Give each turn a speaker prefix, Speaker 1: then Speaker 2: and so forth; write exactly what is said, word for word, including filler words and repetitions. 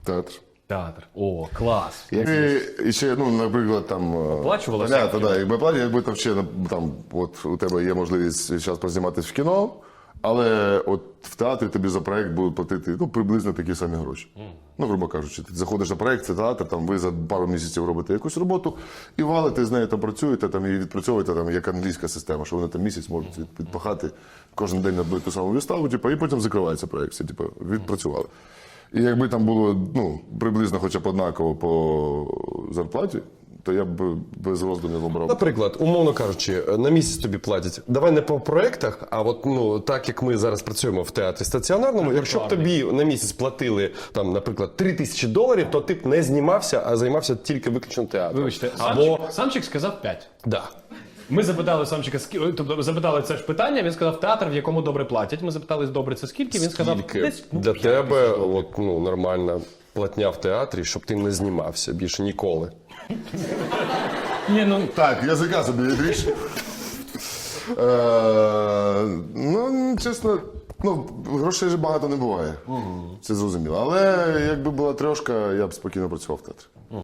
Speaker 1: Театр.
Speaker 2: Театр. О, клас.
Speaker 1: І, і ще, ну, наприклад, там...
Speaker 2: Оплачувалося?
Speaker 1: Понятно, да, якби платять, якби там ще, там, от у тебе є можливість зараз позніматися в кіно, але от в театрі тобі за проект будуть платити, ну, приблизно такі самі гроші. Mm. Ну, грубо кажучи, ти заходиш на проект, це театр, там ви за пару місяців робите якусь роботу, і валите з нею там працюєте, там, і відпрацьовуєте, там, як англійська система, що вони там місяць можуть відпахати кожен день на одну і ту саму виставу, типу, і потім закривається проект, все, типу, відпрацювали. І якби там було, ну, приблизно хоча б однаково по зарплаті, то я б без роздумів обрав.
Speaker 3: Наприклад, умовно кажучи, на місяць тобі платять. Давай не по проектах, а от, ну, так як ми зараз працюємо в театрі стаціонарному, якщо б тобі на місяць платили, там, наприклад, три тисячі доларів, то ти б не знімався, а займався тільки виключно театром.
Speaker 2: Вибачте,
Speaker 3: Або...
Speaker 2: Самчик, Самчик сказав п'ять.
Speaker 3: Да.
Speaker 2: Ми запитали Самчика, скі- тобто запитали це ж питання, він сказав театр, в якому добре платять. Ми запитали, добре це скільки, він сказав,
Speaker 3: Скільки
Speaker 2: десь, ну,
Speaker 3: для
Speaker 2: п'ять
Speaker 3: тебе
Speaker 2: тисяч доларів.
Speaker 3: от, ну, нормальна платня в театрі, щоб ти не знімався більше ніколи.
Speaker 2: Ні, ну,
Speaker 1: Так, язика собі відріж. Е, ну, чесно, ну, грошей ж багато не буває. Це зрозуміло. Але якби була трошка, я б спокійно працював в театрі.